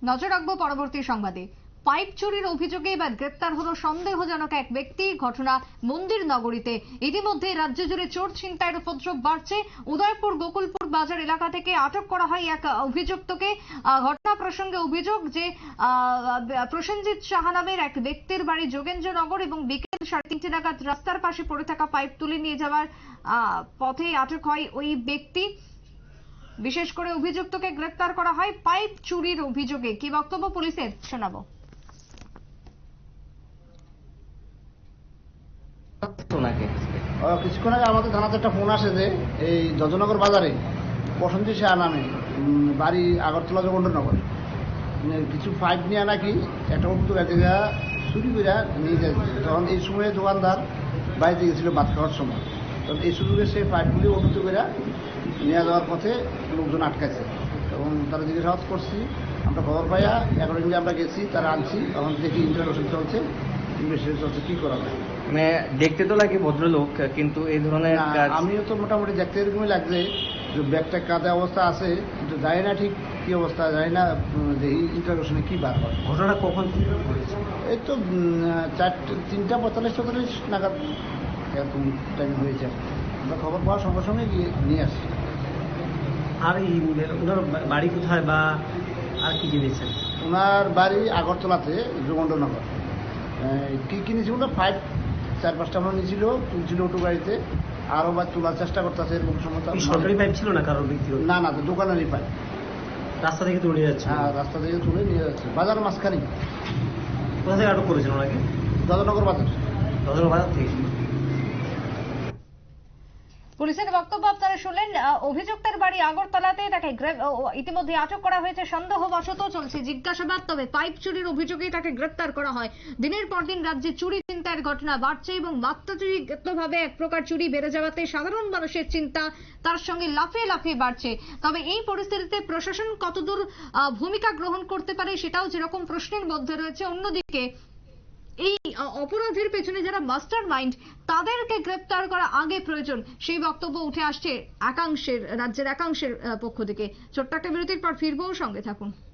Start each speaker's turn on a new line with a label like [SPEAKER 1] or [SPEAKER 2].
[SPEAKER 1] নজর রাখবো পরবর্তী সংবাদে। পাইপ চুরির অভিযোগে এবার গ্রেপ্তার হলো সন্দেহজনক এক ব্যক্তি। ঘটনা মন্দির নগরীতে। ইতিমধ্যে রাজ্য জুড়ে চোর ছিনতাইয়ের উপদ্রব বাড়ছে। উদয়পুর গোকুলপুর বাজার এলাকা থেকে আটক করা হয় এক অভিযুক্তকে। ঘটনা প্রসঙ্গে অভিযোগ যে প্রসেনজিৎ সাহা নামের এক ব্যক্তির বাড়ি যোগেন্দ্রনগর এবং বিকেল 3:30 নাগাদ রাস্তার পাশে পড়ে থাকা পাইপ তুলে নিয়ে যাওয়ার পথে আটক হয় ওই ব্যক্তি। বিশেষ করে অভিযুক্তকে গ্রেফতার করা হয় পাইপ চুরির অভিযোগে। কি বক্তব্য পুলিশের শোনাবো।
[SPEAKER 2] কিছুক্ষণ আগে আমাদের থানাতে একটা ফোন আসে যে এই যজনগর বাজারে প্রসেনজিৎ সাহা নামে বাড়ি আগরতলা যোগেন্দ্রনগর কিছু পাইপ নিয়ে নাকি একটা অভিযোগ এক জায়গা চুরি করে নিয়ে যায়। তখন এই সময়ে দোকানদার বাড়িতে গেছিল ভাত খাওয়ার সময়, তখন এই সুযোগে সেই পাইপগুলি অভিযোগ করে নিয়ে যাওয়ার পথে লোকজন আটকাইছে এবং তারা জিজ্ঞাসাবাদ করছি। আমরা খবর পাইয়া অ্যাকর্ডিংলি আমরা গেছি, তারা আনছি। তখন দেখি ইন্টারভিউশন চলছে, ইনভেস্টিগেশন চলছে, কী করা যায়।
[SPEAKER 3] মানে দেখতে তো লাগে ভদ্রলোক, কিন্তু এই ধরনের
[SPEAKER 2] আমিও তো মোটামুটি দেখতে এরকমই লাগছে যে ব্যাগটা কাঁদা অবস্থা আছে, কিন্তু জানি না ঠিক কী অবস্থা, জানি না যে ইন্টারভিউশনে কী বার হয়।
[SPEAKER 3] ঘটনা কখন
[SPEAKER 2] এই তো 3:45-44 নাগাদ এরকম টাইম হয়েছে। আমরা খবর পাওয়ার সঙ্গে সঙ্গে গিয়ে নিয়ে আসি।
[SPEAKER 3] আর এই ওনার বাড়ি কোথায় বা আর কি জেনেছেন?
[SPEAKER 2] ওনার বাড়ি আগরতলাতে যোগেন্দ্রনগর। কী কিনেছিল ওটা পাইপ 4-5টা আমরা নিয়েছিল, তুলছিল অটো গাড়িতে, আরও বা তোলার চেষ্টা করতেছে এরকম সময়।
[SPEAKER 3] সরকারি পাইপ ছিল না কারোর ব্যক্তিগত?
[SPEAKER 2] না না, দোকানেরই পাইপ।
[SPEAKER 3] রাস্তা থেকে তুলে নিয়ে যাচ্ছে?
[SPEAKER 2] হ্যাঁ, রাস্তা থেকে তুলে নিয়ে যাচ্ছে, বাজার মাঝখানে।
[SPEAKER 3] কোথা থেকে আটক করেছেন ওনাকে?
[SPEAKER 2] যজনগর বাজার।
[SPEAKER 3] যজনগর বাজার থেকে।
[SPEAKER 1] পুলিশের বক্তব্য আপনারা শুনলেন। অভিযুক্তের বাড়ি আগরতলাতে, তাকে ইতিমধ্যে আটক করা হয়েছে। সন্দেহবশত চলছে জিজ্ঞাসাবাদ, তবে পাইপ চুরির অভিযোগে তাকে গ্রেপ্তার করা হয়। দিনের পর দিন রাজ্যে চুরি ছিনতাইয়ের ঘটনা বাড়ছে এবং মাত্রাতিরিক্তভাবে এক প্রকার চুরি বেড়ে যাওয়াতে সাধারণ মানুষের চিন্তা তার সঙ্গে লাফিয়ে লাফিয়ে বাড়ছে। তবে এই পরিস্থিতিতে প্রশাসন কতদূর ভূমিকা গ্রহণ করতে পারে সেটাও যেরকম প্রশ্নের মধ্যে রয়েছে। অন্যদিকে এই অপরাধের পেছনে যারা মাস্টার মাইন্ড, তাদেরকে গ্রেপ্তার করা আগে প্রয়োজন, সেই বক্তব্য উঠে আসছে রাজ্যের একাংশের পক্ষ থেকে। ছোট্ট একটা বিরতির পর ফিরবো, সঙ্গে থাকুন।